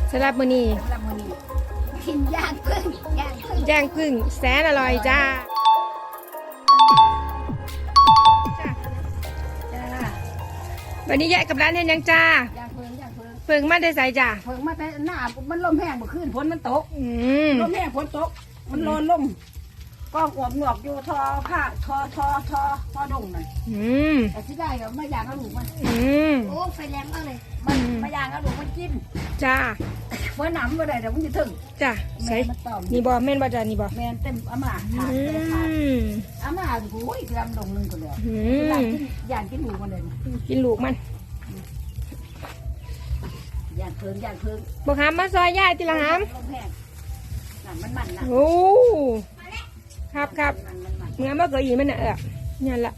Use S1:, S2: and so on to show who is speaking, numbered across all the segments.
S1: สำหรับมื้อนี้
S2: กินย่างพึ่ง
S1: ย่างพึ่งแสนอร่อยจ้าวันนี้แยกกับร้านเห็นยังจ้า
S2: ย่างพึ่ง
S1: เพิ่งมาได้ใส่จ้า
S2: พึ่งมาแต่หน้ามันลมแห้งเมื่อคืนฝนมันตกลมแห้งฝนตกมันร้อนลงก็อวบหนวกอยู่ทอผ้าทอดงนั่นแต่ที่ได้ก็ไม่ย่างกระดูกมันโอ้ไฟแรงมากเลยมันไม่ย่างกระดูกมันกิน
S1: จ้า
S2: เมื่อหนำเมื่อใดเดี๋ยวมันจะถึง
S1: จ้าใส่นี่บอแม่นบอจ้านี่บอ
S2: แม่นเต็มอาม่าขาดอาม่าโอ้ยลำดงนึงคนเดียวย่างกินลูกมันเลย
S1: กินลูกมัน
S2: ย่างเพิ่ง
S1: บอกหามมาซอยย่าทีละหาม
S2: มันนะ
S1: โอ้ครับเมื่อเกิดอีมันเนี่ยนี่แหละ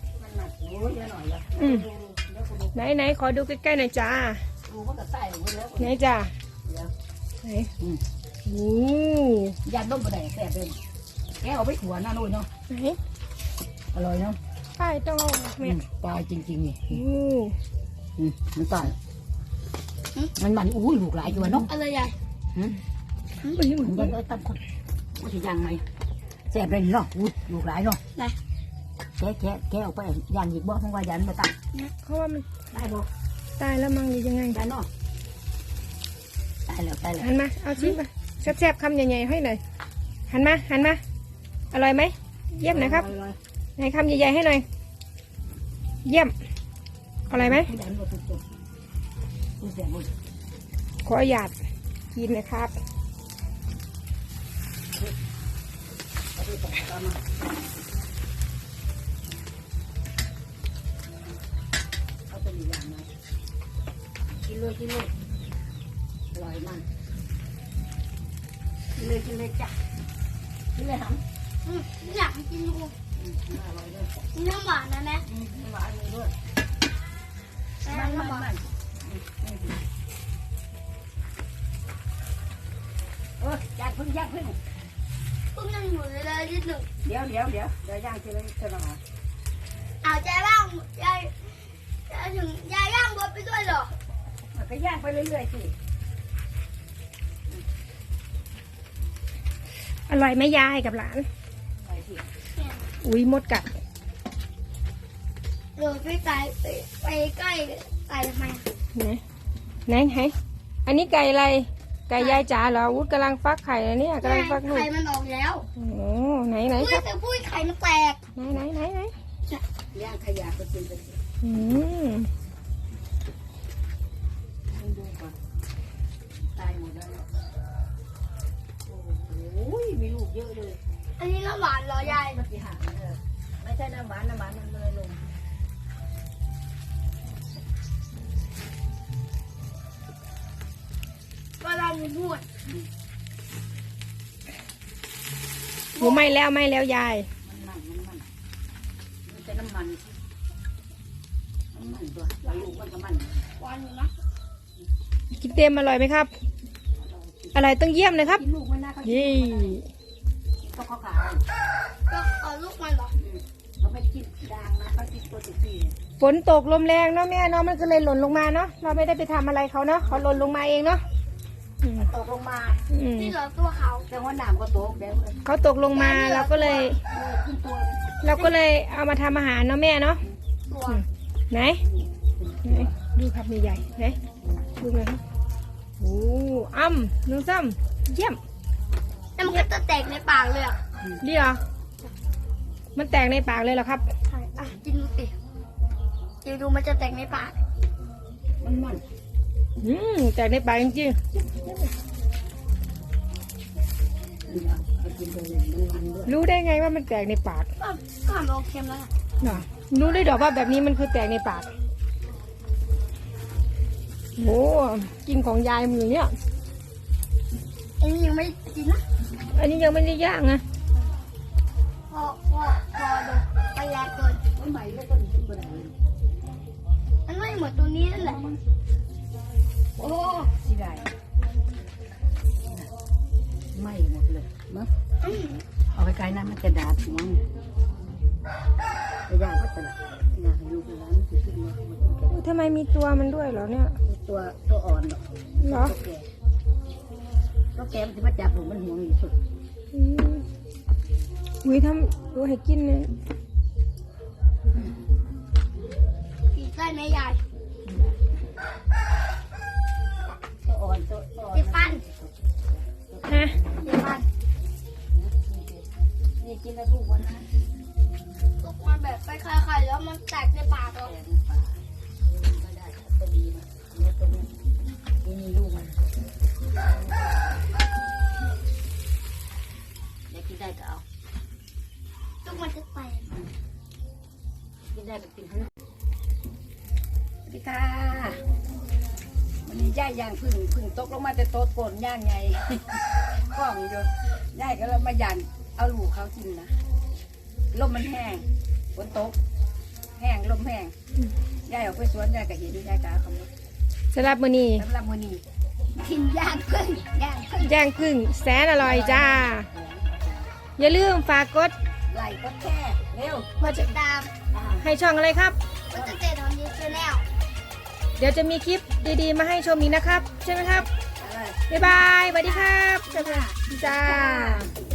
S1: ไหนขอดูใกล้ๆหน่อยจ้าไหนจ้าไหนโอ้
S2: ยาดมกระไดแสบเลยแกเอาไปขัวหน้าโน่นเนาะ
S1: ไหน
S2: อร่อยเนาะ
S1: ป้ายต้องแม่
S2: ตายจริงๆนี่มันตายมันอุ้ยลูกหลายอยู่เนาะ
S1: อะไรใหญ่
S2: มันจะตั้มคนว่าจะยังไงแสบเลยเนาะอุ้ยลูกหลายเนาะแกออกไปยันอีกบ่เพราะว่ายันมาตั้ง
S1: เพราะว่ามัน
S2: ได้บ่
S1: ตายแล้วมั้งหรือยังไง
S2: ได้เนาะตายแล้ว
S1: หันมาเอาชิ้นมาแซ่บๆคำใหญ่ๆให้หน่อยหันมาอร่อยไหมเยี่ยมนะครับไหนคำใหญ่ๆให้หน่อยเยี่ยมอร่อยไหมขอหยาดกินนะครับ
S2: กินเลยอร่อยมันกินเลยจ้ะกินเลยหำ
S3: อยากกินลูก
S2: อร่อยเลย
S3: น้ำหวานนะแม่
S2: น้ำหวานด้วยมันย่างพึ่ง
S3: พึ่งยังอยู่เลยนิดหนึ่ง
S2: เดี๋ยวย่างทีละนิดทีละหน่อย
S3: เอาใจบ้างยายถึงยายย่างบดไปด้วยเหรอ
S2: ก็ย่างไปเรื่อยๆสิ
S1: อร่อยไหมยายกับหลานอุ้ยมดกัด
S3: เดี๋ยวไปใกล้ไก่ทำไม
S1: ไหนอันนี้ไก่อะไรไก่ยายจ๋าเหรอวุฒกำลังฟักไข่แล้วเนี่ยกำลังฟักลูก
S3: ไข่มันออกแล้ว
S1: โอ้ไหน
S3: ครับปุ้ยไข่มันแตก
S1: ไหน
S2: ย่างขยะก็เป็นดูก่อนตายหมดแล้วโอ้ยมีลูกเยอะเลย
S3: อันนี้น้ำหวานเหรอยาย
S2: ไม่ใช่น้ำหวานมันเลยลง
S3: ก็เราพูด
S1: หมูไม่แล้วยาย
S2: มันจะน้ำมันตัวลูกมันก็มัน
S3: หวานอยู่นะ
S1: กินเต็มอร่อยไหมครับอร่อยต้องเยี่ยมเลยครับยี่
S2: ต้องขาว
S3: ก็เอาลูกมันเหรอ
S2: เขาไม่กินด่างนะเขากินตัวสี
S1: ฝนตกลมแรงเนาะแม่เนาะมันก็เลยหล่นลงมาเนาะเราไม่ได้ไปทำอะไรเขาเนาะเขาหล่นลงมาเองเนาะ
S2: ตกลงมา
S3: ที่เหลือตัวเขา
S2: แต่ว่าน้ำก็ตก
S1: เขาตกลงมาเราก็เลยเอามาทำอาหารเนาะแม่เนาะไหนดูครับใหญ่ไหนดูเลยโอ้น้องซ้ำเยี่ยม
S3: แล้วมันก็จะแตกในปากเลยอ่ะ
S1: ดีเหรอมันแตกในปากเลยเหรอครับ
S3: ใช่กินดูสิดูมันจะแตกในปาก
S2: มัน
S1: แตกในปากจริงๆรู้ได้ไงว่ามันแตกในปาก
S3: ก็มันโอเคแล้ว
S1: เนาะรู้ได้ดอกว่าแบบนี้มันคือแตกในปากโอ้กินของยายมือเนี่ย
S3: อันนี้ยังไม่กินนะ
S1: อันนี้ยังไม่ได้ย่างนะ
S3: พอดูไปแรงเกิน
S2: มันใหม่แล้วก็กินไปไหน
S3: มันไม่เหมือนตัวนี้นั่นแหละ
S2: โอ้สิได้ไม่หมดเลยมั้งเอาไปไกลนะมันจะดาบมั้งจะย่างก็จะย่างอยู่ที่ร้านที่ขึ้นมา
S1: ทำไมมีตัวมันด้วยเหรอเนี่ย
S2: ตัวอ่อน
S1: เหรอ
S2: ก็แกมันจะมาจับผมมันห่วงอยู่สุด
S1: อุ้ยทำตัวให้กินเลย
S3: ผีใต้แม่ยาย
S2: ตัวอ่อนตัวอ่อน
S3: ติดฟัน
S1: ฮะ
S3: ติดฟัน
S2: นี่กินแล้วลูกวันนะ
S3: ตกมาแบบไปคลายๆแล้วมันแตกในปากเรา
S2: แกในป่าก็ได้ตัวดีมาแล้วตัวนี้นี่ลูกมันเดี๋ยวกินได้ก็เอา
S3: ทุกมันจะแตก
S2: กินได้ก็กินให้สวัสดีค่ะวันนี้ย่ายย่างพึ่งตกลงมาแต่โต๊ะโกนย่างไง กล้องอยู่ย่ายก็เลยมาย่างเอาลูกเขากินนะลมมันแห้งฝนตกแห้งลมแห้งย่ายออกไปสวนย่ายก็เห็นย่ายก็เอาเขามา
S1: สำหรับมื้อนี้
S2: สำหรับมื้อนี้
S3: กินย่างพึ่งย่างพึ่ง
S1: ย่างพึ่งแสนอร่อยจ้า อย่าลืมฝากกด
S2: ไหลก็แค่เร็ว
S1: ว่าจะ
S3: ตาม
S1: ให้ช่องอะไรครับ
S3: ก็จะเจอตอนนี้ชแนล
S1: เดี๋ยวจะมีคลิปดีๆมาให้ชมอีกนะครับ ใช่ไหมครับ
S2: อะไร
S1: บ๊ายบายสวัสดีครับจ้า